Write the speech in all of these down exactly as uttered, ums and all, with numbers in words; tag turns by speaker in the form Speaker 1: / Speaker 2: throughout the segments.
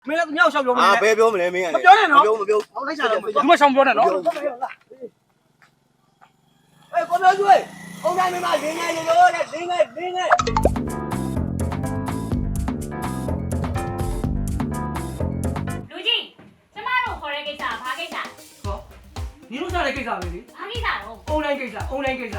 Speaker 1: မင်းလည်းသူမြောက်ရှောက်ပြောမလဲ
Speaker 2: အာဘယ်ပြောမလဲမင်းက
Speaker 1: မပြောနဲ့နော်
Speaker 2: မပြောမပြော
Speaker 1: ဟောလိုက်ချတော့
Speaker 3: ဒီမှာရှောင်းပြောနေနော်
Speaker 2: အေးကိုပြောကျွေးအုံတိုင်းမင်းမလင်းငယ်လို့တဲ့လင်းငယ်လင်းငယ်
Speaker 4: လူကြီးကျမတို့ခေါ်တဲ့ကိစ္စဘာကိစ္စ
Speaker 1: ဟောညီတို့စားတဲ့ကိစ္စပဲလေ
Speaker 4: ဘာကိစ္စတော့
Speaker 1: အွန်လိုင်းကိစ္စအွန်လိုင်းကိစ္စ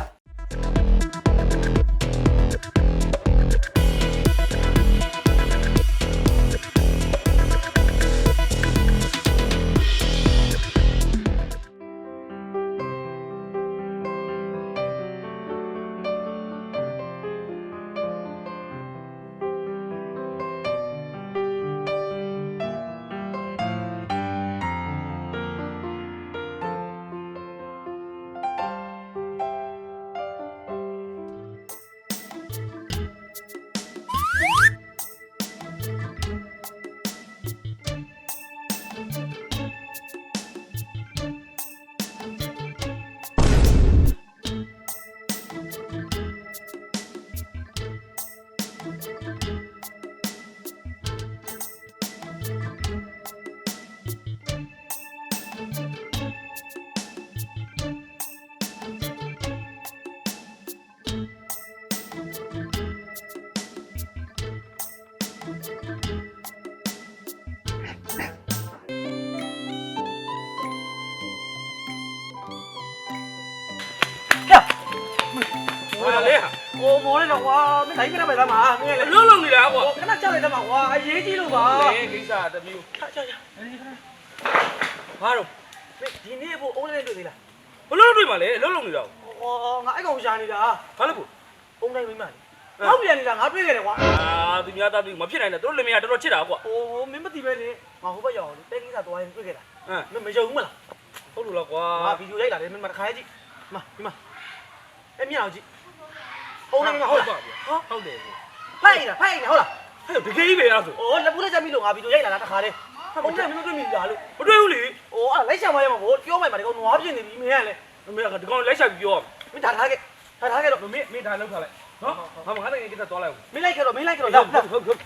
Speaker 3: ဟာလေ
Speaker 1: โอ้မောလေးတော့ကွာမင်းတိုင်းပြလိုက်ပါလားမင်းလည်း
Speaker 3: လုံးလုံးနေတာကွာ
Speaker 1: ခဏကြောက်လိုက်တယ်မှာကွာအရေးကြီးလို့ပါ
Speaker 3: လေကိစ္စတမျိုး
Speaker 1: ချာချာချာ
Speaker 3: ဘာတော့
Speaker 1: ဒီနေ့ဖို့အုံးလေးတွေ့သေးလား
Speaker 3: ဘလုံးတွေ့မှာလေလုံးလုံးနေတာ
Speaker 1: ဟောငါအဲ့ကောင်ရှာနေတာ
Speaker 3: ဘာလို့ကို
Speaker 1: အုံးတိုင်းမိမလေးဟောက်ပြန်နေတာငါတွေ့ခဲ့တယ်ကွာ
Speaker 3: အာသူများသားသူမဖြစ်နိုင်နဲ့တို့လင်မယားတော်တော်ချစ်တာကွာ
Speaker 1: ဟိုမင်းမသိပဲလေငါဟိုဘက်ရောက်လေတဲကိစ္စသွားရင်တွေ့ခဲ့တာ
Speaker 3: ဟမ်
Speaker 1: မင်းမယုံဘူးမလား
Speaker 3: ဟုတ်လို့လားကွာ
Speaker 1: ငါဗီဒီယိုရိုက်လာတယ်မင်းမတစ်ခါကြည့်မဒီမှာအဲ့မြောက်ကြည့်အုံးတိုင်းမိမဟုတ်လား
Speaker 3: ဟုတ်တယ်
Speaker 1: ဖိုက်နေတာဖိုက်နေတာဟုတ်လား
Speaker 3: ဟဲ့တကယ်ကြီးပဲလားဆို
Speaker 1: ။အော်လက်ပူးလက်ချက်မိလို့ငါဗီဒီယိုရိုက်လာတာတခါတည်း။ဟုတ်တယ်မင်းတို့တွေ့မိလားလို့
Speaker 3: မတွေ့ဘူးလေ
Speaker 1: ။အော်အဲ့လိုက်ချင်မရမှာဗောပြောမှမှာဒီကောင်နွားပြင်းနေပြီမင်းကလည်း
Speaker 3: မမေကဒီကောင်လိုက်ရှာပြီးပြော
Speaker 1: မင်းဒါထားခဲ့။ဒါထားခဲ့တော့
Speaker 3: မမေမေဒါလောက်ထားလိုက်နော်ငါမငါတကယ်ကိစ္စသွားလိုက်
Speaker 1: မင်းလိုက်ခဲ့တော့မင်းလိုက်ခဲ့တော့ရောက်
Speaker 3: ဟုတ်ဟုတ်ဟုတ်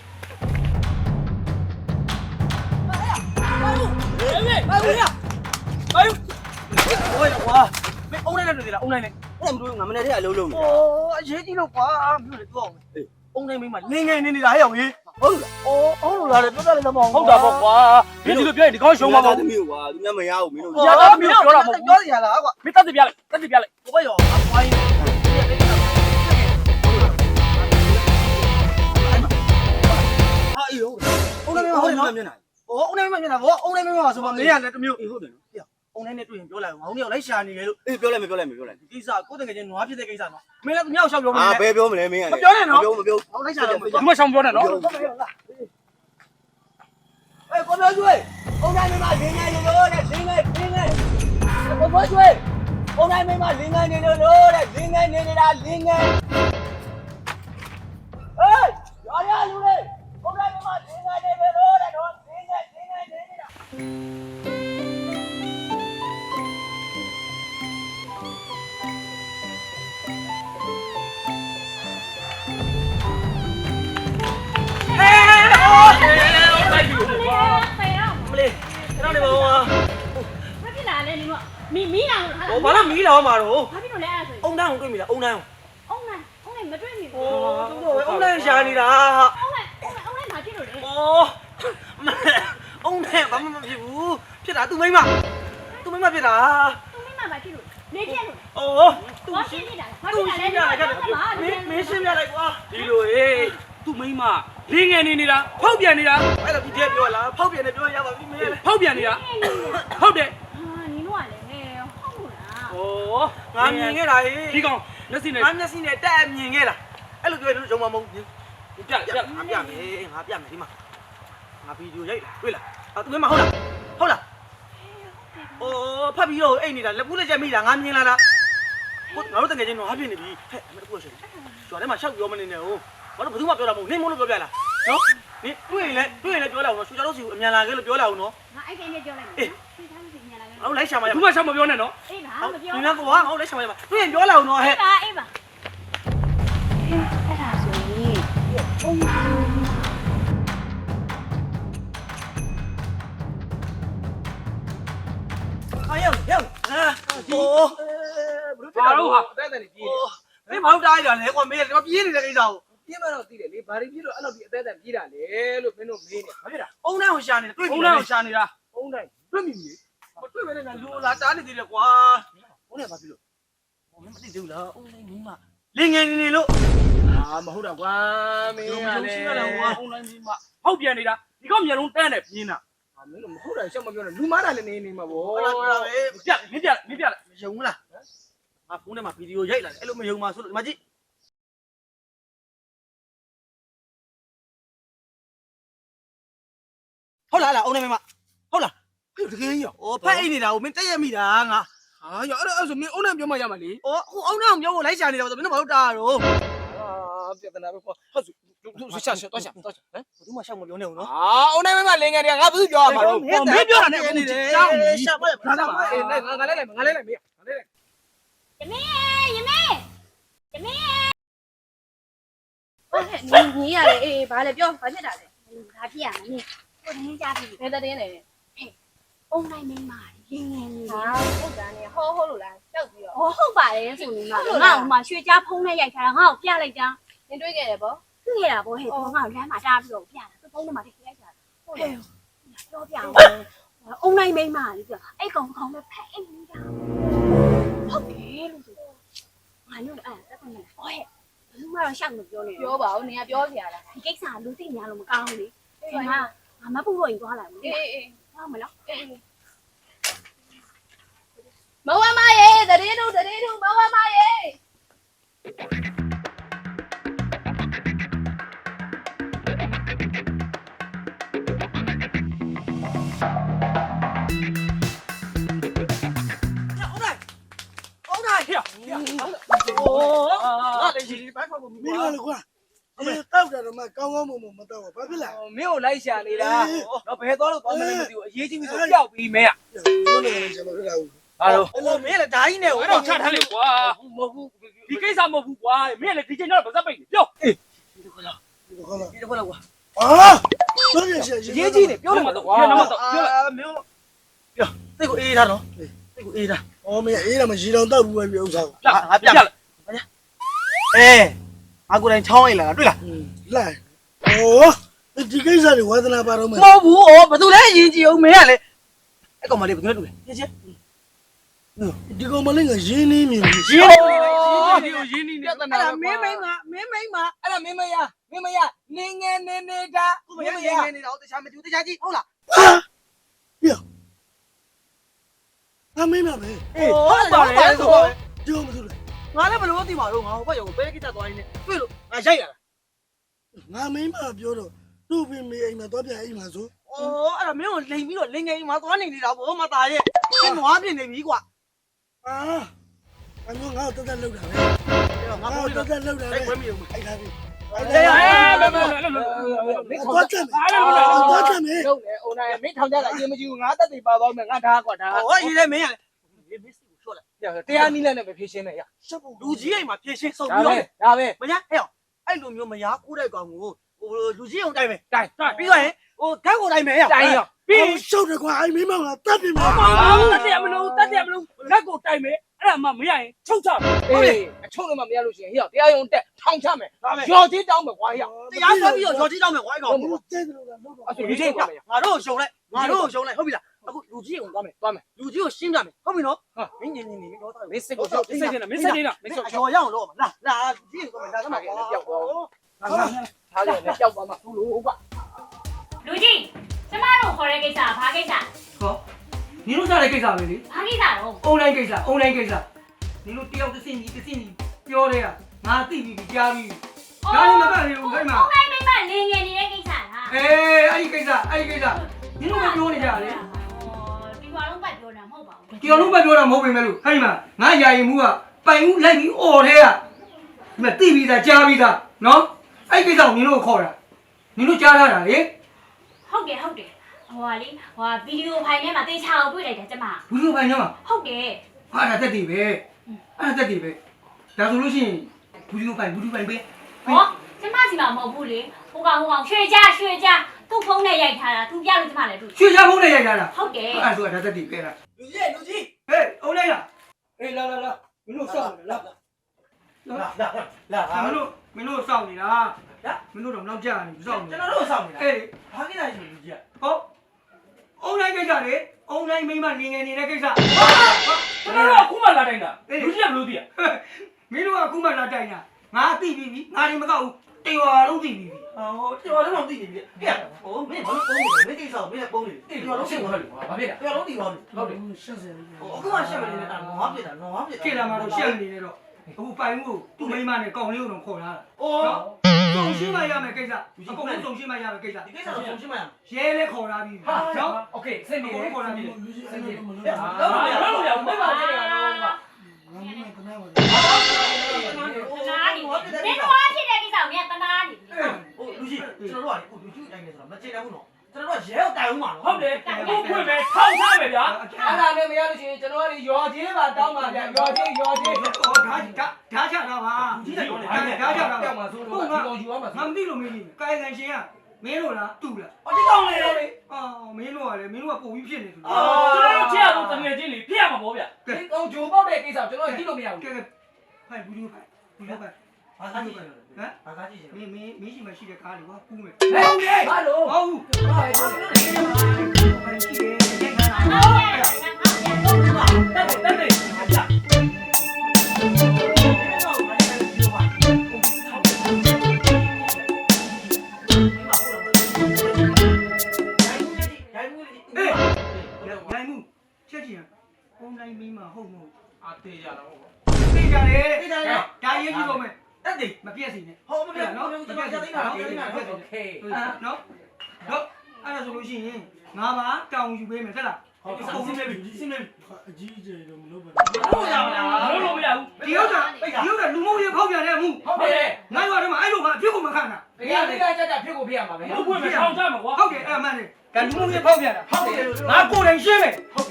Speaker 1: ဘာလို့ရ။ဘာလို့ဟိုကွာမင်းအုံးလိုက်နေလားအုံးလိုက်နေ
Speaker 2: အဲ့မတို့ငါမနေ့တည်းအလုံးလုံး
Speaker 1: ။အော်အရေးကြီးလို့ကွာမင်းလည်းပြောအောင်။အုံးလိုက်မင်းမလင်းငယ်နေနေတာဟဲ့အောင်ကြီး။ဟုတ်လား။အော်ဟုတ်လို့လားပြောတယ်လည်းမဟုတ်
Speaker 3: ဟုတ်တာပေါ့ကွာမင်းဒီလိုပြောရင်ဒီကောင်ရှုံးမှာပေါ့
Speaker 2: သမီးကွာသူများမရဘူးမင်းတို့
Speaker 1: ။ပြောစီရလားကွာ
Speaker 3: မင်းတက်စီပြလိုက်တက်စီပြလိုက်
Speaker 1: ။ဘယ်ရောအပွားကြီးဟာအေးဟုတ်အုံးလိုက်မဟုတ်နော်
Speaker 2: မျက်နှာ
Speaker 1: ။အော်အုံးလိုက်မမျက်နှာဗောအုံးလိုက်မမှာဆိုမှမင်းရလည်းတမျိုး
Speaker 2: အေးဟုတ်တယ်နော်
Speaker 1: အုံးလိုက်နဲ့တွေ့ရင်ပြောလိုက်အောင်ငါတို့ရောက်လိုက်ရှာနေလေလို့
Speaker 2: အေးပြောလိုက်မပြောလိုက်မပြောလိုက်
Speaker 1: ဒီကိစ္စကိုယ်တကယ်ချင်းနွားဖြစ်တဲ့ကိစ္စနော်မင်းလည်းမြောက်ရှောက်ပြောမ
Speaker 2: အာ
Speaker 1: လဲ
Speaker 2: ဘယ်ပြောမလဲမင်းက
Speaker 1: မပြောနဲ့နော်
Speaker 2: မပြောမပြော
Speaker 1: ဟောလိုက်ရှာတော့
Speaker 3: ဒီမှာရှောင်းပြောနေနော်
Speaker 1: ဟုတ်ကဲ့ဟုတ်လား
Speaker 2: အေးကိုပြောကျွေးအုံတိုင်းမင်းမလင်းငယ်လို့တဲ့လင်းငယ်လင်းငယ်ကိုပြောကျွေးအုံတိုင်းမင်းမလင်းငယ်နေလို့တဲ့လင်းငယ်နေနေတာလင်းငယ်အေးရရလူလေးအုံတိုင်းမင်းမလင်းငယ်နေလို့တဲ့တော့လင်းငယ်လင်းငယ်နေနေတာ
Speaker 4: ဖေရော
Speaker 1: မလေးကျွန်တော်နေပါဦး
Speaker 4: ဘာဖြစ်လာလဲနင်ကမီမီလာလို့ဟာ
Speaker 1: ဟောဘာလို့မီးလောင်မှာတော့
Speaker 4: ဘာဖြစ်လို့လဲအဲ့ဒါဆို
Speaker 1: အုံတိုင်းကိုတွေ့မိလားအုံတိုင်းကို
Speaker 4: အုံးလိုက်အုံးလိုက်မတွေ့မိဘူး
Speaker 1: ဟောသူတို့အုံတိုင်းရှာနေတာဟာ
Speaker 4: အုံးလိုက်အုံးလိုက်အုံးလိုက်ဘာဖြစ်လို့လဲ
Speaker 1: ဩအုံတိုင်းဘာမှမဖြစ်ဘူးဖြစ်တာသူ့မိမသူ့မိမဖြစ်တာ
Speaker 4: သူမိမဘာဖြစ်လို့နေပြက်လို့
Speaker 1: ဩသူ
Speaker 4: ဘာဖြစ်နေတာဘာဖြစ်လာလဲ
Speaker 1: မင်းမင်းရှင်းပြလိုက်ကွာ
Speaker 3: ဒီလိုဟေးသူ့မိန်းမလင်းငယ်နေနေတာဖောက်ပြန်နေတာ
Speaker 1: အဲ့ဒါဒီတည်းပြောလားဖောက်ပြန်နေပြောရပါပြီမင်းလည်း
Speaker 3: ဖောက်ပြန်နေတာဟုတ်တယ်
Speaker 4: ဟာနင်တို့ကလည်းဟုတ်လို့လား
Speaker 1: ဩငါမြင်ခဲ့တာဟေး
Speaker 3: ဒီကောင်မျက်စိနဲ့
Speaker 1: ငါမျက်စိနဲ့တက်မြင်ခဲ့လားအဲ့လိုပြောရင်ရုံမမဟုတ်ဘူး
Speaker 3: ပြပြ
Speaker 1: ငါပြမယ်ငါပြမယ်ဒီမှာငါဗီဒီယိုရိုက်တွေ့လားဟာသူမဟုတ်လားဟုတ်လားအိုးဖတ်ပြီးတော့အိတ်နေတာလက်ပူးလက်ချက်မိလားငါမြင်လာလားကိုငါတို့တကယ်ချင်းတော့ဟာပြနေပြီဟဲ့အမေတို့ပြောရှင်ကျွာထဲမှာရှောက်ပြောမနေနဲ့ဟုတ်ဘာလို့ဘယ်သူမှပြောတာမဟုတ်နင်းမလို့ပြောပြလားနော်နင်းတွေ့ရင်လည်းတွေ့ရင်လည်းပြောလိုက်အောင်နော်ရှူကြတော့စီကိုအမြန်လာခဲ့လို့ပြောလိုက်အောင်နော်
Speaker 4: ငါအဲ့ကိန်းနဲ့ပြောလိုက်မယ်ဆွေးသားလို့ညလာခဲ့
Speaker 1: ငါတို့လိုက်ရှာမှာရ
Speaker 3: ဘူးမရှောင်းမပြောနဲ့နော်
Speaker 4: အေးပါ
Speaker 1: ဟုတ်
Speaker 4: မပြော
Speaker 1: ဒီနေ့ကွာငါတို့လိုက်ရှာမှာရတွေ့ရင်ပြောလိုက်အောင်နော်ဟဲ့
Speaker 4: အေးပါအေးပါအဲ့ဒါဆိုရင်အုံး
Speaker 1: 哎呀，呀，啊，哦，
Speaker 3: ဘာလို့ဟာ
Speaker 2: အသက်အသက်ကြီး
Speaker 1: မင်းမောင်းတားရလေကွာမင်းကပြေးနေတဲ့ကိစ္စကို
Speaker 2: ပြင်းမတော့သိတယ်လေဘာတွေပြလို့အဲ့လိုဒီအသက်အသက်ကြီးတာလေလို့မင်းတို့မေးနေဘာဖြစ်တာ
Speaker 1: အုံးတန်းကိုရှာနေတွေ့
Speaker 3: ဘုံ
Speaker 1: ပြီ
Speaker 3: လန်းကိုရှာနေတာ
Speaker 2: အုံးတိုင်း
Speaker 1: တွေ့ပြီလေမတွေ့ပဲနဲ့လူလာတားနေသေးတယ်ကွာဘုန်းနဲ့ဘာဖြစ်လို့ဟိုမင်းမသိသေးဘူးလားအုံးတိုင်းမင်းမလင်းငယ်နေနေလို့
Speaker 2: အာမဟုတ်တော့ကွာမင်းကလည်း
Speaker 3: ဘုံလန်းကြီးမဟုတ်ပြန်နေတာဒီကောင်မျိုးလုံးတန်းတယ်ပြင်းတာ
Speaker 2: အာမင်းတို့မဟုတ်တာရှောက်မပြောနဲ့လူမားတာလည်းနေနေမှာဗော
Speaker 1: ဟုတ်လားဟုတ်လားပဲ
Speaker 3: ပြက်မင်းပြက်မင်းပြက်
Speaker 1: မယုံဘူးလားငါဖုန်းထဲမှာဗီဒီယိုရိုက်လာတယ်အဲ့လိုမယုံပါဆိုလို့ဒီမှာကြည့်ဟုတ်လားလားအုံးနေမမဟုတ်လား
Speaker 2: ဟေ့တကယ်ကြီးရော
Speaker 1: ဩဖက်အိတ်နေတာကိုမင်းတက်ရက်မိတာငါ
Speaker 2: ဟာရအဲ့ဒါအဲ့ဆိုမင်းအုံးတိုင်းပြောမှရမှာလေ
Speaker 1: ဩအခုအုံးနောက်မျိုးကိုလိုက်ရှာနေတာဆိုမင်းတို့ဘာလို့တားတော့
Speaker 2: အာပြဿနာပဲကွာဟုတ်ဆိုရှာရှာတော့ရှာတော့ရှာဟမ်
Speaker 1: ဘယ်သူမှရှောက်မပြောနဲ့ဘူးနော်
Speaker 2: အာအုံးတိုင်းမလင်ငယ်တွေကငါဘာလို့ပြောရမှာတော့
Speaker 1: မင်းပြောတာနဲ့အခုကြောက်နေရှာပါ့
Speaker 2: ငါလည်းအေးငါငါလည်းလိုက်ငါလည်းလိုက်မေးငါလည်းလိုက်
Speaker 4: ယမေယမေယမေ
Speaker 5: ဟုတ်ကဲ့ညီညီရတယ်အေးဘာလဲပြောဘာဖြစ်တာလဲ
Speaker 4: ဘာဖြစ်ရမလဲကိုရင်းကြပြီ
Speaker 5: ဘယ်တဲ့တင်းလဲ
Speaker 4: အုံနိုင်မိန်းမလင်းငယ်နေ
Speaker 5: ဟာဟုတ်တာနေဟောဟောလို့လားကြောက်ပြီးတော့
Speaker 4: ဟောဟုတ်ပါတယ်ဆိုနေမှာငါ့ကိုမှရွှေကြားဖုံးနဲ့ရိုက်ထားတာငါ့ကိုပြလိုက်တာ
Speaker 5: နင်တွေးခဲ့တယ်ဗော
Speaker 4: တွေ့ရတာဗောဟဲ့ငါ့ကိုလမ်းမှာတားပြီးတော့ပြတာသူဖုံးထဲမှာထည့်ရိုက်တာဟုတ်တယ်ပြောပြအောင်အုံနိုင်မိန်းမလေးပြောအဲ့ကောင်ကောင်ပဲဖက်အိမ်နေတာဟုတ်တယ်လို့ဆိုငါတို့အဲ့တက်ကနေဟောဟဲ့ဘယ်သူမှတော့ရှောက်မပြောနဲ့
Speaker 5: ပြောပါဦးနင်ကပြောစရာလား
Speaker 4: ဒီကိစ္စကလူသိများလို့မကောင်းဘူးလေဒီမှာငါမပူတော့ရင်သွားလာမယ်
Speaker 5: အေးအေး
Speaker 4: ဟုတ်မလား
Speaker 5: အေးမဝမရေတရေတို့တရေတို့မဝမရေ
Speaker 1: အုံးနိုင်အုံးနိုင်ဟဲ့ဟဲ့အိုးငါလည်းရှင်ဘိုက်ဖောက်ကို
Speaker 6: မင်းလည်းကွာအဲတောက်တယ်တော့မှကောင်းကောင်းမွန်မွန်မတောက်ဘူးဘာဖြစ်လဲ
Speaker 2: မင်းကိုလိုက်ရှာနေတာတော့ဘယ်သွားလို့သွားမလဲမသိဘူးအရေးကြီးပြီဆိုပျောက်ပြီးမင်းอ่ะ
Speaker 6: ဘယ်လိုလဲကျွန်တော်ဖြစ်လာဘူး
Speaker 2: ဟာလို့
Speaker 1: အဲ့လိုမင်းလည်းဓာကြီးနဲ့
Speaker 3: အဲ့တော့ချထားလေကွာမဟုတ်ဘူးဒီကိစ္စမဟုတ်ဘူးကွာမင်းလည်းဒီချိန်တော့ဗဇက်ပိတ်ပြော
Speaker 6: ဒီကောလား
Speaker 1: ဒီတော့လောက်ကွာ
Speaker 6: ဟာတော့ရရှိ
Speaker 2: ရေးကြီးနေပြောလို့မတော့ကွာ
Speaker 3: နမတော့
Speaker 1: အာမင်းပြောတိတ်ကိုအေးထားနော်တိတ်ကိုအေးထား
Speaker 6: ဩမင်းအေးတယ်မရီတောင်တောက်ဘူးပဲပြဥစား
Speaker 3: ပြငါပြလိုက်
Speaker 1: အေးငါကိုယ်တိုင်ချောင်းအိတ်လာတွေ့လား
Speaker 6: လိုက်ဩဒီကိစ္စတွေဝါသနာပါတော့မယ်
Speaker 1: မဟုတ်ဘူးဩဘယ်သူလဲအရင်ကြည့်အောင်မင်းကလည်းအဲ့ကောင်မလေးဘယ်သူလဲတွေ့လဲချင်းချင်း
Speaker 6: ဒီကောင်မလေးကရင်းနှီးမြင်ပြီ
Speaker 1: ရင်းနေတယ်
Speaker 3: ဒီကိုရင်းနေနေ
Speaker 2: ပြဿ
Speaker 1: အဲ့
Speaker 2: နာ
Speaker 1: ဒါမင်းမိမမင်းမိမ
Speaker 2: အဲ့ဒါမင်းမရမင်းမရနေငယ်နေနေတာ
Speaker 1: ခုမရရနေနေတာတခြားမတူတခြားကြည့်ဟုတ်လား
Speaker 6: ဟာပြအမေမပဲ
Speaker 1: အေးဟုတ်ပါတယ်ဆိုတော့
Speaker 6: ကြောမသူလဲ
Speaker 1: ငါလည်းဘယ်လိုသိမှာတော့ငါဟိုဘက်ရောက်ဘယ်ကိစ္စသွားရင်းနဲ့တွေ့လို့ငါရိုက်ရတာ
Speaker 6: ငါမင်းမပြောတော့သူ့ပြင်မေးအိမ်မှာတော့ပြန်အိမ်မှာဆို
Speaker 1: ဩအဲ့ဒါမင်းကိုလိန်ပြီးတော့လိန်ငယ်ကြီးမှာသွားနေနေတာဗောမသားရဲ့မင်းနွားပြင်နေပြီကွာ
Speaker 6: အာအမျိုးငါ့ကိုတက်တက်လောက်တာပဲ
Speaker 1: ငါ
Speaker 6: ငါ့
Speaker 1: မိုး
Speaker 6: ကို
Speaker 1: လေး
Speaker 6: တက်တက်လောက်တာ
Speaker 1: အဲ့
Speaker 6: ပဲ
Speaker 1: ဝဲမယုံဘူး
Speaker 6: အဲ့ဒါပြီ
Speaker 3: အေးမမမ
Speaker 2: မင်း
Speaker 6: တော့တက်မယ်
Speaker 3: အားလုံး
Speaker 6: တော့တက်မယ်
Speaker 2: လုံးလေအုံနိုင်မင်းထောင်ကြတာအရင်မကြည့်ဘူးငါတက်တေပါသွားမယ်ငါထားကွာထား
Speaker 1: ဟောရေးလဲမင်းရလေမင်းစိကိုချော့လိုက်
Speaker 2: တရားနီးလက်နဲ့ပဲဖြည့်ရှင်းလိုက်ရ
Speaker 1: လူကြီးအိမ်မှာဖြည့်ရှင်းဆုံး
Speaker 2: ဒါ
Speaker 1: ပြီး
Speaker 2: ပဲ
Speaker 1: တော့
Speaker 2: ဒါပဲ
Speaker 1: မညာဟဲ့အဲ့လိုမျိုးမရားကိုးတဲ့ကောင်ကိုဟိုလူကြီးအောင်တိုင်းမယ်
Speaker 2: တိုင်
Speaker 1: ပြီးတော့ရင်ဟိုဓာတ်ကိုတိုင်းမယ်ဟဲ့
Speaker 2: တိုင်ရော
Speaker 6: ပြီးရှုပ်တယ်ကွာအဲ့မင်းမကတက်ပြီမ
Speaker 3: တက်တယ်မလို့တက်တယ်မလို့လက်ကိုတိုင်မယ်အဲ့ဒါမှမရရင်ချုပ်ချ
Speaker 2: အေးအချုံးလည်းမရလို့ရှိရင်ဟေ့တရားရုံတက်ထောင်ချမယ်ရော်သေးတောင်းမယ်ကွာဟေ့
Speaker 1: တရားဆွဲပြီးတော့ရော်ကြီးတောင်းမယ်ကွာအဲ့ကောင်
Speaker 6: ဘူးတဲ့တယ်လို့လားလို့
Speaker 2: အဲ့ဆိုလူချင်းကွာမယ်
Speaker 1: ငါတို့ရှုံလိုက်ငါတို့ရှုံလိုက်ဟုတ်ပြီလားအခုလူကြီးအောင်သွားမယ်
Speaker 2: သွားမယ်
Speaker 1: လူကြီးကိုရှင်းပြမယ်ဟုတ်ပြီနော်မင်းညင်ညင်နေတော့
Speaker 2: မင်းစစ်ကို
Speaker 3: မင်းစိတ်နေတာမင်းစိတ်နေတာ
Speaker 1: မင်းရော်ရအောင်လို့လာလာလူကြီးကိုသွားမယ်ဒါကမှကွာ
Speaker 2: ငါထားတယ်နဲ့ပျောက်သွားမှာသူ့လို့ကွာ
Speaker 4: လူကြီးကျမတို့ခေါ်တဲ့ကိစ္စဘာကိစ္စ
Speaker 7: ဟောနင်တို့စားတဲ့ကိစ္စပဲလေ
Speaker 4: ဘာကိစ္စတော့
Speaker 7: အွန်လိုင်းကိစ္စအွန်လိုင်းကိစ္စနင်တို့တယောက်တစ်စင်းကြီးတစ်စင်းကြီးပြောတဲ့ကငါသိပြီကြားပြီဒါလည်းမပတ်နေဘူးခိုင်းမှာ
Speaker 4: အုံနိုင်မိန်းမလင်းငယ်နေတဲ့ကိစ္စလား
Speaker 7: အေးအဲ့ဒီကိစ္စအဲ့ဒီကိစ္စနင်တို့ကပြောနေကြတယ်
Speaker 4: ဒီဘာလုံးပတ်ပြောတာမဟုတ်ပါဘူး
Speaker 7: ဒီအောင်လုံးပဲပြောတာမဟုတ်ပေမဲ့လို့ခိုင်းမှာငါယာယီမှုကပိုင်ဦးလိုက်ပြီးអော်တဲ့ကဒီမှာသိပြီးသားကြားပြီးသားနော်အဲ့ဒီကိစ္စကိုနင်တို့ခေါ်တာနင်တို့ကြားထားတာလေ
Speaker 4: ဟုတ်တယ်ဟုတ်တယ်ဟိုဟာလေဟိုဟာဗီဒီယိုဖိုင်ထဲမှာတေချာကိုတွေ့လိုက်တယ်ကျမ
Speaker 7: ဘူးလို့ပိုင်ညမှာ
Speaker 4: ဟုတ်တယ်
Speaker 7: ဟာဒါတက်တည်ပဲအဲ့ဒါတက်တည်ပဲဒါဆိုလို့ရှိရင်ဘူးလို့ပိုင်ဘူးလို့ပိုင်ပဲ
Speaker 4: ဟောကျမစီမှာမဟုတ်ဘူးလေဟိုကောင်ဟိုကောင်ရွှေကြရွှေကြသူ့ဖုန်းနဲ့ရိုက်ထားတာသူပြလို့ကျမလည်းသူ
Speaker 7: ရွှေရဖုံးနဲ့ရိုက်ကြတာ
Speaker 4: ဟုတ်တယ်
Speaker 7: အဲ့ဆိုတာဒါသက်တည်ခဲ့တာ
Speaker 2: လူကြီးလူကြီး
Speaker 7: ဟေးအုံးလိုက်လားအေးလာလာလာမင်းတို့စောင့်နေလား
Speaker 2: လာလာလာ
Speaker 7: မင်းတို့မင်းတို့စောင့်နေတာမင်းတို့တော့နောက်ကျနေစောင့်နေ
Speaker 2: ကျွန်တော်တို့ဆောင်နေတာ
Speaker 7: အေး
Speaker 2: ဘာကိစ္စရှိလူကြီး
Speaker 7: ဟုတ်အုံးလိုက်ကိစ္စလေအုံးလိုက်မိမနေငယ်နေတဲ့ကိစ္စ
Speaker 3: ကျွန်တော်တို့အခုမှလာတိုင်းတာလူကြီးကဘလို့သိရ
Speaker 7: မင်းတို့ကအခုမှလာတိုင်တာငါသိပြီပြီငါရင်မကောက်ဘူးတေဝါလုံးသိပြီပြီ
Speaker 2: ဟောတော်တော်လုံးသိနေပြီဟဲ့ဟိုမင်းဘာလို့ပုံနေလဲမင်းကိစ္စမင်းလည်းပုံနေတယ်တော်တော်ရှင်းသွားတယ်
Speaker 3: ဘာဖြစ်လဲ
Speaker 2: တော်တော်သိပါပြီ
Speaker 3: ဟုတ်တယ်
Speaker 6: ရှက်စရာ
Speaker 2: ဟိုအခုမှရှင်းမနေနဲ့ငါပြစ်တာငါပြစ်တာ
Speaker 7: ခေလာမှာတော့ရှက်နေနေတော့အခုပိုင်မှုသူ့မိမနဲ့ကောင်းလေးကိုတော့ခေါ်လာတာ
Speaker 2: အိုး
Speaker 7: စုံရှင်းမရမယ်ကိစ္စအကုန်လုံးစုံရှင်းမရမယ်ကိစ္စ
Speaker 2: ဒီကိစ္စကိုရှင်းမရ
Speaker 7: ရဲလဲခေါ်လာပြီနော်
Speaker 3: โอเคစိတ်နေတယ်
Speaker 7: ခေါ်လာပြီ
Speaker 6: လူကြီးအဲ့လိုမလုပ်
Speaker 3: ဟာလုံးလို့ရဘူးမပါသေးတယ်ကတော့
Speaker 6: ငါမင်းကတနာပါ
Speaker 4: တနာနေမင်းတို့အားဖြစ်တဲ့ကိစ္စကိုမြန်တနာနေပြီ
Speaker 2: ဟိုလူကြီးကျွန်တော်တို့ကလူကြီးတိုင်းနေဆိုတော့မချေတယ်ဘူးနော်ကျွန်တော်တို့ကရဲကိုတိုင်ဦးမှာနော်
Speaker 3: ဟုတ်တယ်ဘုဖွင့်မယ်ထောက်ထားမယ်ဗျာ
Speaker 2: အဲ့ဒါနဲ့မရလို့ရှိရင်ကျွန်တော်ကရော်ချင်းပါတောင်းပါဗျာရော်ချင်းရော်ချင်း
Speaker 7: ဟောဓာဓာဓာချတာပါဓာချတာပါ
Speaker 2: ပြောင်းမှာဆိုတော့ဒီကောင်ယူရမှာ
Speaker 7: ငါမသိလို့မင်းကြီးကာယကံရှင်ကမင်းတို့လားတူလား
Speaker 2: ဟောဒီကောင်လေးလေ
Speaker 7: အော်မင်းတို့ကလည်းမင်းတို့ကပုံပြီးဖြစ်နေသူ
Speaker 3: ကျွန်တော်တို့ချက်အောင်တငယ်ချင်းလေးဖြစ်ရမှာပေါ့ဗျာ
Speaker 2: ဒီကောင်ဂျိုပေါက်တဲ့ကိစ္စကျွန်တော်ကြည့်လို့မရဘူး
Speaker 7: ကဲကဲဖိုင်ဘူးလို့ဖိုင်ဘူးလို့ဖိုင်
Speaker 2: ဘာသာကြည့်ဟမ်ဘာသာကြည့်
Speaker 7: မင်းမင်းမင်းရှိမရှိတဲ့ကားလေးကွာကူးမယ်
Speaker 2: ဟဲ့ဟာလို
Speaker 7: ဟုတ်ဘူး
Speaker 2: ဟာလို
Speaker 7: ဖိုင်ရှိတယ်ရိုက်ခါတာ
Speaker 4: ဟုတ်ကဲ့ငါငါပြန်တော့
Speaker 2: တက်တယ်တက်တယ်ဟာကြ
Speaker 7: အေးရိုင်မှုချက်ချင်အုံတိုင်းမင်းမဟုတ်မဟုတ်
Speaker 3: အာတေးရတော့ဟုတ်
Speaker 7: သိကြတယ်ဒါရေးကြည့်တော့မယ်
Speaker 2: တက်တယ်
Speaker 7: မပြည့်စီနဲ့
Speaker 2: ဟောမပြနော်ကျွန်တော်ကြားသိတာကြားသိတာ
Speaker 3: โอเค
Speaker 7: နော်နော်အဲ့ဒါဆိုလို့ရှိရင်ငါပါတောင်းယူပေးမယ်ဟုတ်လား
Speaker 2: ဟုတ်ကဲ့စီးနေပြီစီးနေပြီ
Speaker 6: အကြီးအကျယ်တော့မလုပ်ပါ
Speaker 2: ဟုတ်ရမလား
Speaker 3: လုံးလို့မရဘူး
Speaker 7: ဒီဥစ္စာဒီဥစ္စာလူမှုရေးဖောက်ပြန်တဲ့အမှု
Speaker 2: ဟုတ်တယ်
Speaker 7: ငါရွာထဲမှာအဲ့လိုမှအဖြစ်ကိုမခံတာ
Speaker 2: ဘယ်ကနေကကြကြဖြစ်ကိုဖြစ်ရမှာပဲ
Speaker 3: ဘုဖွင့်မယ်ထောက်ထားမယ်ကွာ
Speaker 7: ဟုတ်တယ်အဲ့မှန်တယ်ဒါလူမှုရေးဖောက်ပြန်တာ
Speaker 2: ဟုတ်တယ်
Speaker 7: ငါကိုယ်တိုင်ရှင်းမယ်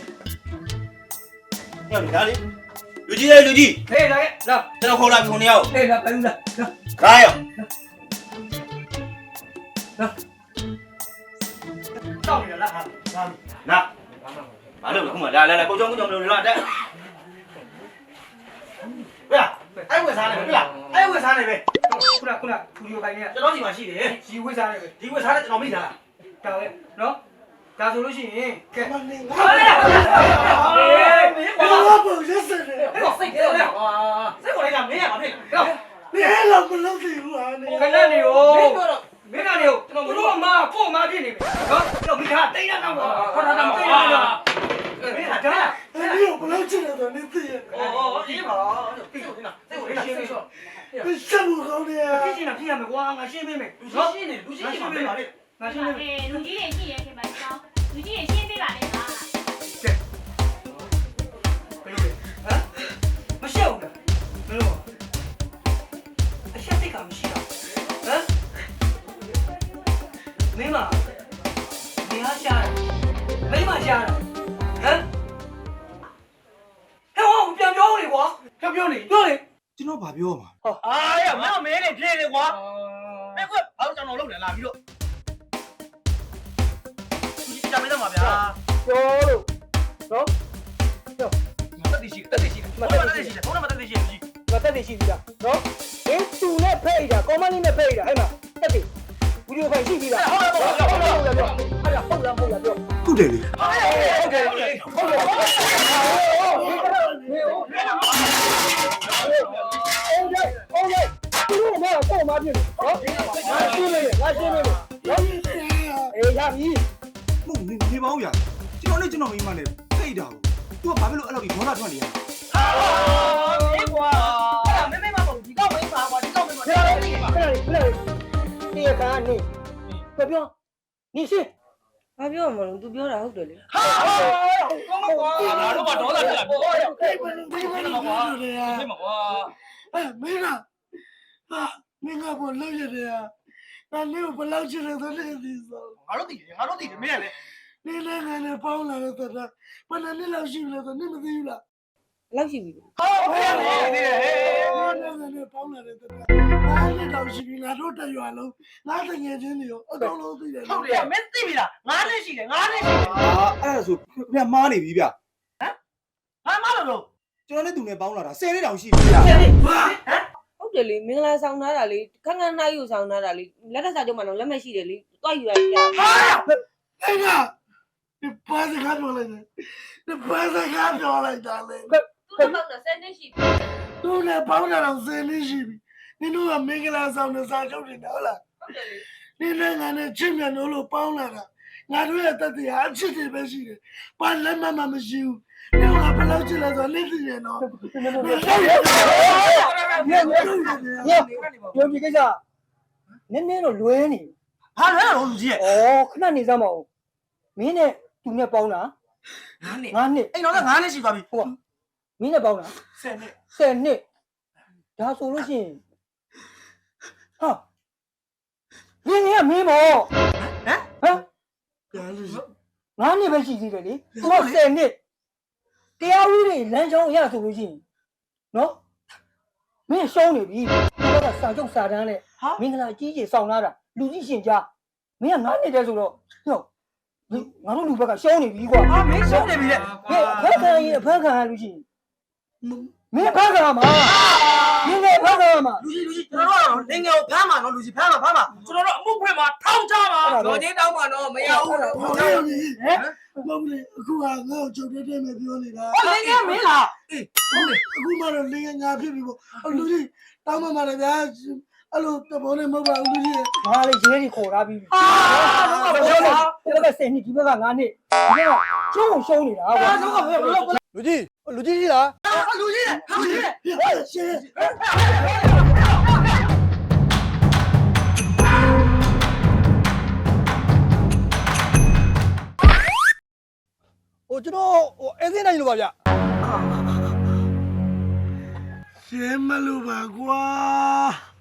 Speaker 8: ညောင်ဒါလေးလူကြီးရဲ့လူကြီး
Speaker 7: ဟေးလာခဲ့လာ
Speaker 8: ကျွန်တော်ခေါ်လာပြီခုနှစ်ယောက်
Speaker 7: ဟေးလာပြန်လာလာ
Speaker 8: ကားရော
Speaker 7: တောက်နေတာလားဟာ
Speaker 8: နာဘာလို့လဲခုမှလာလာလာကိုကြောင်ကိုကြောင်လို့လာတက်
Speaker 2: ဘယ်အဲ့ဝယ်စားနေပြီလားအဲ့ဝယ်စားနေပဲ
Speaker 7: ခုနခုနသူဒီကိုခိုင်းနေ
Speaker 2: ကျွန်တော်ဒီမှာရှိတယ်
Speaker 7: ရီဝိစားနေပဲ
Speaker 2: ဒီဝယ်စားတဲ့ကျွန်တော်မိသား
Speaker 7: တောက်ရဲ့နော်ဒါဆိုလို့ရှိရင်ကဲ
Speaker 6: မနေ
Speaker 2: ဟေးမင်း
Speaker 6: ဘာ
Speaker 2: ဘာ
Speaker 6: လို့ရက်စက်လဲ
Speaker 2: ဟဲ့စိတ်ကြလဲဟာစိတ်ကိုလည်းမင်းရမှာဖြစ်
Speaker 7: ဟော
Speaker 6: နေလောက်မလုပ်သေးဘူးဟာနေ
Speaker 7: ခဏနေရော
Speaker 2: မင်းတို့တော့
Speaker 7: မင်းကနေကိုသူတို့အမကို့အမဖြစ်နေပြီနော်တော့မိသားတိတ်ရတော့ပါဟောတာတော့တိတ်ရတော့
Speaker 2: မင်းဟာဒါ
Speaker 6: အဲ့ဒီကိုဘယ်လောက်ချင်တယ်နေသိရ
Speaker 2: အော်အေးပါစိတ်ကိုလည်းစိတ်ကိုလည်းစိတ်ကို
Speaker 6: ဘယ်ချက်ဘူးကောင်းနေရ
Speaker 7: ဖြစ်ချင်တာဖြစ်ရမယ်ကွာငါရှင်းပေးမယ်
Speaker 2: လူရှိနေလူရှိနေမှာပဲပါလေ
Speaker 7: ငါရှင်းပေးမယ်
Speaker 4: အေးလူကြီးတွေရှိရဲခင်ဗျာကျောင်းလူကြီးတွေရှင်းပေးပါလေကွာ
Speaker 7: ဘယ်လိုလဲဟမ်မရှက်ဘူးလားဘယ်လိုအရှက်စိတ်ကမရှိတော့ဟမ်မင်းမနေရာရှာတယ်မိမရှာတယ်ဟမ်ဟဲ့ဟောပြန်ပြောလေကွာပြန်ပြောလေပြောလေ
Speaker 8: ကျွန်တော်ဗာပြောမှာ
Speaker 2: အာရမင်းမင်းလေးပြေးလေကွာမင်းကဘာလို့ကျွန်တော်လုပ်လဲလာပြီးတော့ဒီကြမ်းမင်းတော့မှာဗျာ
Speaker 7: ပြောလို့နော်
Speaker 2: တက်တိရှိတက်တိရှိမတက်တိရှိဘုန်းမတက်တိရှိကြီး
Speaker 7: ငါတက်နေရှိပြီလားနော်အင်းသူနဲ့ဖိတ်တာကောမန်လေးနဲ့ဖိတ်တာအဲ့မှာတက်တယ်ဗီဒီယိုဖိုင်ရှိပြီလားဟုတ်လားဟုတ်လားဟုတ်လားဟုတ်လားပြောအဲ့ဒါဟုတ်လားဟုတ်လားပြော
Speaker 8: ဟုတ်တယ်လေ
Speaker 2: ဟုတ်တယ်ဟုတ်တယ်ဟုတ်တယ်
Speaker 7: သူတို့ကတော့မပြည့်နော်ငါရှင်းနေငါရှင်းနေနော်အေးရပြီ
Speaker 8: မဟုတ်နေနေပါဦးဗျာကျွန်တော်နဲ့ကျွန်တော်မိမနဲ့ဖိတ်တာကို तू ကဘာဖြစ်လို့အဲ့လိုဒီဒေါသထွက်နေရလဲ
Speaker 2: အေးကွာအဲ့မင်းမမဟုတ်ဒီကောက်မင်းပါကွာဒီကောက်မင်းပါ
Speaker 7: ခဏလေးခဏလေးခဏလေးဒီကနေပြောနေရှင်း
Speaker 9: ဘာပြောမလို့ तू ပြောတာဟုတ်တယ်လေ
Speaker 2: ဟာကောင်းမကွာ
Speaker 3: ငါတို့ကဒေါသတက်လာပြီ
Speaker 6: ဒီဘယ်လိုဒီဘယ်လိုလုပ်ရလဲ
Speaker 3: သိမှာကွာ
Speaker 6: အဲမင်းကဟာမင်းကဘာလုပ်ရတယ်ဟာနာနေဘယ်လောက်ချင်တယ်ဆိုနေဒီဆို
Speaker 2: ငါတို့တည်တယ်ငါတို့တည်တယ်မင်းကလည်း
Speaker 6: နေနေငါနဲ့ပေါင်းလာတော့တာဘယ်နဲ့လောက်ရှိလဲဆိုနေမသိဘူးလား
Speaker 9: လောက်ရှိပြီ
Speaker 6: ဟုတ်ကဲ့လေဒီဟဲ့နေနေပေါင်းလာတဲ့တက်ငါနဲ့တောင်ရှိပြီငါတို့တရွာလုံးငါတငယ်ချင်းတွေရောအကုန်လုံးသိတယ်
Speaker 2: ဟုတ်တယ်မင်းသိပြီလားငါနဲ့ရှိတယ်ငါနဲ့ရှိတယ်
Speaker 8: အာအဲ့ဒါဆိုဗျမားနေပြီဗျ
Speaker 2: ငါမလို့လို့
Speaker 8: ကျွန်တော်နဲ့သူနဲ့ပေါင်းလာတာဆယ်နှစ်တောင်ရှိပြီဗျ
Speaker 2: ဟဲ့ဟမ်
Speaker 9: ဟုတ်တယ်လေမင်္ဂလာဆောင်ထားတာလေခန်းခန်းနိုင်ယူဆောင်ထားတာလေလက်ထက်စာချုပ်မှာတော့လက်မရှိတယ်လေတွားယူရပြ
Speaker 2: ဟာ
Speaker 6: အဲ့ကဒီပါစကားပြောလိုက်တယ်ဒီပါစကားပြောလိုက်တာလေ
Speaker 9: သူ့တော့ဆယ်နှစ်ရှိပြီ
Speaker 6: သူနဲ့ပေါင်းတာတော့ဆယ်နှစ်ရှိပြီနင်တို့ကမင်္ဂလာဆောင်တဲ့စာချုပ်တွေနော်လား
Speaker 9: ဟုတ်တယ်လေ
Speaker 6: နင်နဲ့ငါနဲ့ချစ်မြတ်လို့လို့ပေါင်းလာတာငါတို့ရဲ့တတိယအချစ်တွေပဲရှိတယ်ဘာလက်မှမမရှိဘူးနင်ကဘယ်လောက်ချစ်လဲဆိုတော့နင်သိတယ်နော်
Speaker 7: ပြောပြကိစ္စနည်းနည်းတော့လွဲနေ
Speaker 2: ဟာလဲတော့လူကြီးရဲ့
Speaker 7: ဩခဏနေစမ်းမအောင်မင်းနဲ့သူနဲ့ပေါင်းတာ
Speaker 2: ငါနဲ့
Speaker 7: ငါနှစ်
Speaker 2: အိမ်တော်ကငါနဲ့ရှိသွားပြီ
Speaker 7: ဟုတ်မင်းနဲ့ပေါင်းတာ
Speaker 2: ဆယ်နှစ်
Speaker 7: ဆယ်နှစ်ဒါဆိုလို့ရှိရင်ဟာမင်းကမင်းပေါ့
Speaker 2: ဟမ်
Speaker 7: ဟမ်
Speaker 6: ကြားလို့ရှိ
Speaker 7: ငါနှစ်ပဲရှိသေးတယ်လေသူကဆယ်နှစ်တရားဥပဒေလမ်းကြောင်းအရဆိုလို့ရှိရင်နော်မင်းရှုံးနေပြီသူကစာချုပ်စာတမ်းနဲ့မင်္ဂလာကြီးကြီးဆောင်လာတာလူကြီးရှင်ကြားမင်းကငါနှစ်တည်းဆိုတော့ဟုတ်ငါတို့လူဘက်ကရှုံးနေပြီကွာ
Speaker 2: ဟာမင်းရှုံးနေပြီလေ
Speaker 7: ဟဲ့အဖက်ခံရင်အဖက်ခံရလို့ရှိရင်မင်းဖက်ခံရမှာမင်းလည်းဖက်ခံရမှာ
Speaker 2: လူကြီးလူကြီးကျွန်တော်တို့နေငယ်ကိုဖမ်းမှာနော်လူကြီးဖမ်းမှာဖမ်းမှာ
Speaker 3: ကျွန်တော်တို့အမှုဖွင့်မှာထောင်ချမှာ
Speaker 2: တော်ချင်းတောင်းမှာနော်မရဘူးလို့
Speaker 6: ဟုတ်တယ်ဟဲ့မဟုတ်လေအခုကငါ့ကိုချုပ်တဲ့တဲ့မဲ့ပြောနေတာ
Speaker 2: ဟောနေငယ်မင်းလား
Speaker 6: ဟုတ်တယ်အခုမှတော့လင်းငါဖြစ်ပြီပေါ့လူကြီးတောင်းမှမှာလည်းဗျာအဲ့လိုတဘောနဲ့မဟုတ်ပါဘူးလူကြီး
Speaker 7: ငါလည်းရဲကြီးခေါ်ထားပြီးပြီ
Speaker 2: ဟာတော့ကပြောတာ
Speaker 7: ဒီဘက်ကဆယ်နှစ်ဒီဘက်ကငါနှစ်ဒီဘက်ကရှုံးရှုံးနေတာကွာ
Speaker 2: တော့ကပြောလို့
Speaker 6: လူကြီးလူကြီးကြီးလား
Speaker 2: လူကြီးလူကြီး
Speaker 6: ဟဲ့ရှင်းဟိုကျွန်တော်ဟိုအဲစင်းနိုင်လို့ပါဗျရှင်းမလို့ပါကွာ